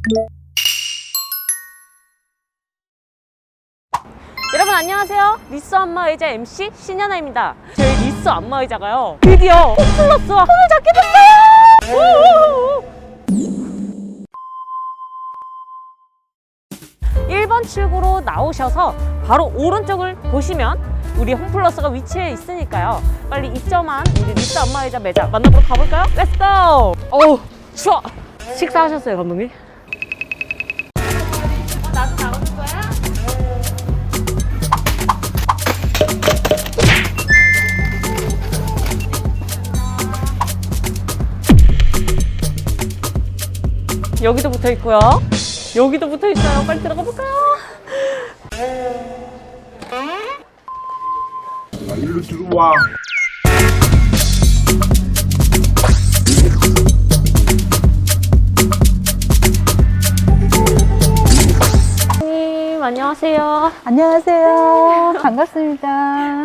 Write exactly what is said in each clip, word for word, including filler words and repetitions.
여러분 안녕하세요. 리쏘 안마의자 엠씨 신현아입니다. 저희 리쏘 안마의자가요 드디어 홈플러스와 손을 잡게 됐어요. 일 번 출구로 나오셔서 바로 오른쪽을 보시면 우리 홈플러스가 위치해 있으니까요. 빨리 입점한 우리 리쏘 안마의자 매장 만나보러 가볼까요? 렛츠고! 어우 추워! 식사하셨어요 감독님? 어, 나도 나오는 거야? 여기도 붙어 있고요. 여기도 붙어 있어요. 빨리 들어가 볼까요? 일로 들어와. 선생님 안녕하세요. 안녕하세요. 반갑습니다.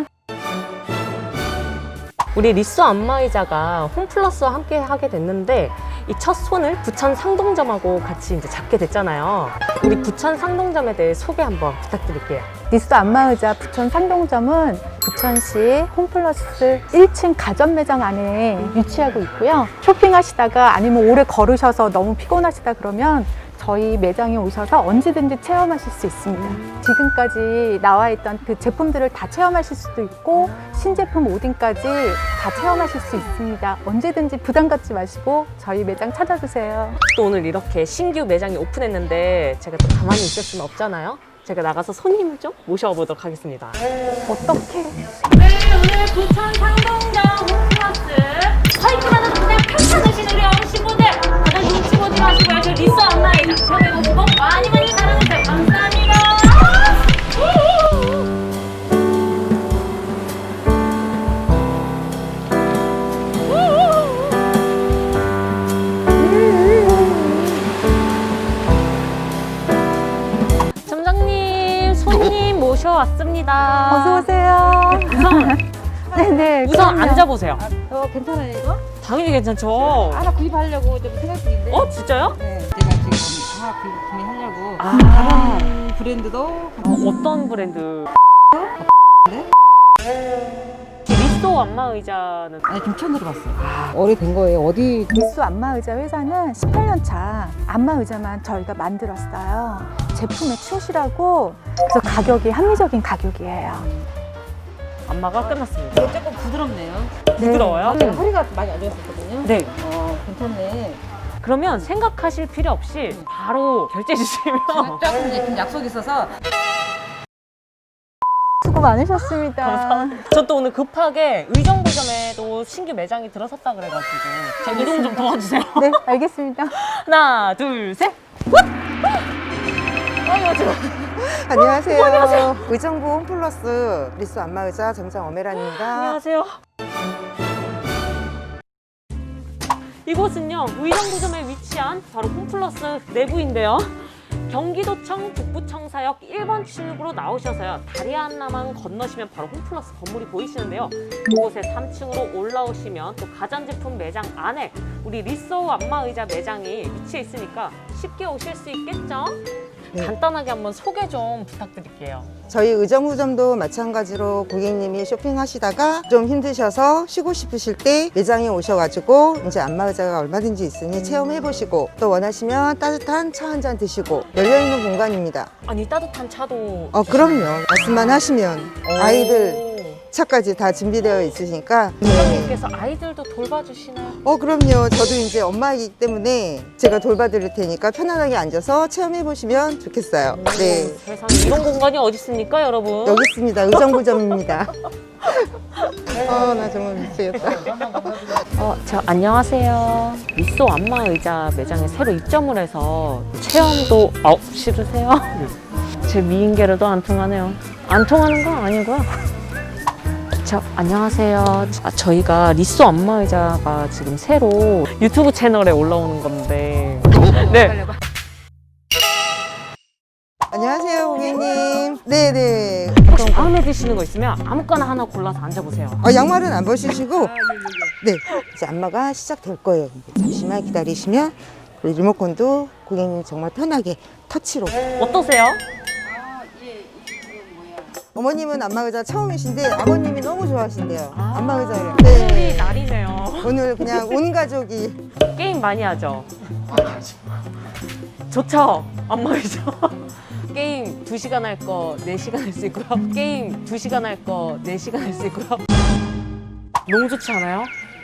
우리 리쏘 안마의자가 홈플러스와 함께 하게 됐는데 이 첫 손을 부천 상동점하고 같이 이제 잡게 됐잖아요. 우리 부천 상동점에 대해 소개 한번 부탁드릴게요. 리쏘 안마의자 부천 상동점은 부천시 홈플러스 일 층 가전 매장 안에 위치하고 있고요. 쇼핑하시다가 아니면 오래 걸으셔서 너무 피곤하시다 그러면 저희 매장에 오셔서 언제든지 체험하실 수 있습니다. 지금까지 나와 있던 그 제품들을 다 체험하실 수도 있고 신제품 오딘까지 다 체험하실 수 있습니다. 언제든지 부담 갖지 마시고 저희 매장 찾아주세요. 또 오늘 이렇게 신규 매장이 오픈했는데 제가 또 가만히 있을 수는 없잖아요. 제가 나가서 손님을 좀 모셔보도록 하겠습니다. 어떻게? 네, 오늘 부천 상동점 홈플러스 화이트라는 그냥 펼쳐드신 우리 어르신분들 다들 눈치 보지 마시고요. 저 리쏘 안마의자 체험해보시고 많이 많이 사랑해주세요. 감사합니다. 점장님 손님 모셔왔습니다. 어서 오세요. 우선 네네. 우선 그럼요. 앉아보세요. 어, 괜찮아요, 이거? 당연히 괜찮죠. 하나 구입하려고 좀 생각 중인데. 어 진짜요? 네, 제가 지금 하나 구입, 구매하려고. 아. 다른 브랜드도. 어, 어떤 브랜드? 네? 리쏘 안마의자는 아니, 좀 처음 들어봤어요. 아, 오래된 거예요. 어디. 리쏘 안마의자 회사는 십팔 년 차 안마의자만 저희가 만들었어요. 제품에 충실하고 그래서 가격이 합리적인 가격이에요. 안마가 끝났습니다. 이게 조금 부드럽네요. 부드러워요? 제가 허리가 많이 안 좋았었거든요. 네. 어, 괜찮네. 그러면 생각하실 필요 없이 바로 결제해 주시면 조금 이제 좀 약속이 있어서. 수고 많으셨습니다. 저 또 오늘 급하게 의정부점에도 신규 매장이 들어섰다 그래가지고 제 이동 좀 도와주세요. 네, 알겠습니다. 하나 둘 셋. 아유 지금 안녕하세요. 의정부 홈플러스 리쏘 안마의자 점장 엄혜란입니다. 안녕하세요. 이곳은요 의정부점에 위치한 바로 홈플러스 내부인데요. 경기도청 북부청사역 일 번 출구로 나오셔서요 다리 하나만 건너시면 바로 홈플러스 건물이 보이시는데요. 그곳에 삼 층으로 올라오시면 또 가전제품 매장 안에 우리 리쏘 안마의자 매장이 위치해 있으니까 쉽게 오실 수 있겠죠? 네. 간단하게 한번 소개 좀 부탁드릴게요. 저희 의정부점도 마찬가지로 고객님이 쇼핑하시다가 좀 힘드셔서 쉬고 싶으실 때 매장에 오셔가지고 이제 안마의자가 얼마든지 있으니 체험해보시고 또 원하시면 따뜻한 차 한 잔 드시고 열려있는 공간입니다. 아니 따뜻한 차도 어 그럼요. 말씀만 하시면 아이들 차까지 다 준비되어 있으시니까 네. 선생님께서 아이들도 돌봐주시나요? 어 그럼요. 저도 이제 엄마이기 때문에 제가 돌봐드릴 테니까 편안하게 앉아서 체험해보시면 좋겠어요. 네. 세상에 이런 공간이 어디 있습니까 여러분? 여기 있습니다. 의정부점입니다. 어, 나 정말 미치겠다. 어, 저 안녕하세요. 리쏘 안마의자 매장에 새로 입점을 해서 체험도 어 싫으세요? 제 미인계로도 안 통하네요. 안 통하는 건 아니고요. 저 안녕하세요. 아, 저희가 리쏘 안마의자가 지금 새로 유튜브 채널에 올라오는 건데. 네. 안녕하세요, 고객님. 네네. 혹시 마음에 드시는 거 있으면 아무거나 하나 골라서 앉아보세요. 어, 양말은 안 벗으시고, 네. 이제 안마가 시작될 거예요. 잠시만 기다리시면 그리고 리모컨도 고객님 정말 편하게 터치로. 어떠세요? 어머님은 안마의자 처음이신데 아버님이 너무 좋아하신대요. 아, 안마의자를. 오늘이 네. 날이네요. 오늘 그냥 온 가족이. 게임 많이 하죠? 좋죠? 안마의자. 게임 두 시간 할 거 네 시간 할 수 있고요. 게임 두 시간 할 거 네 시간 할 수 있고요. 너무 좋지 않아요?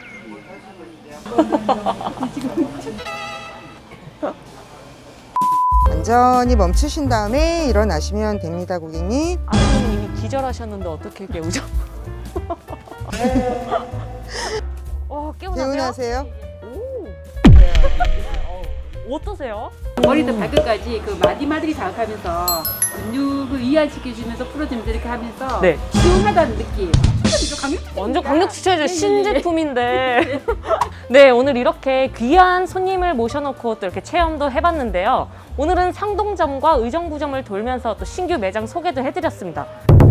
완전히 멈추신 다음에 일어나시면 됩니다, 고객님. 아버님 이미 기절하셨는데 어떻게 깨우죠? 어, 깨우나요? 개운하세요? 오. 어떠세요? 머리부터 발끝까지 그 마디마디를 자극하면서 근육을 이완시켜주면서 풀어주면서 이렇게 하면서 네. 시원하다는 느낌. 추천이죠, 강력 추천입니다. 완전 강력 추천이죠. 네, 네, 네. 신제품인데. 네, 오늘 이렇게 귀한 손님을 모셔놓고 또 이렇게 체험도 해봤는데요. 오늘은 상동점과 의정부점을 돌면서 또 신규 매장 소개도 해드렸습니다.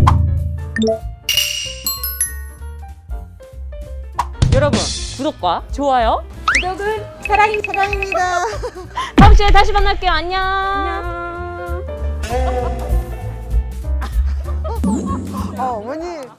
여러분, 구독과 좋아요, 구독은 사랑이 사랑입니다. 다음 주에 다시 만날게요. 안녕. 안녕.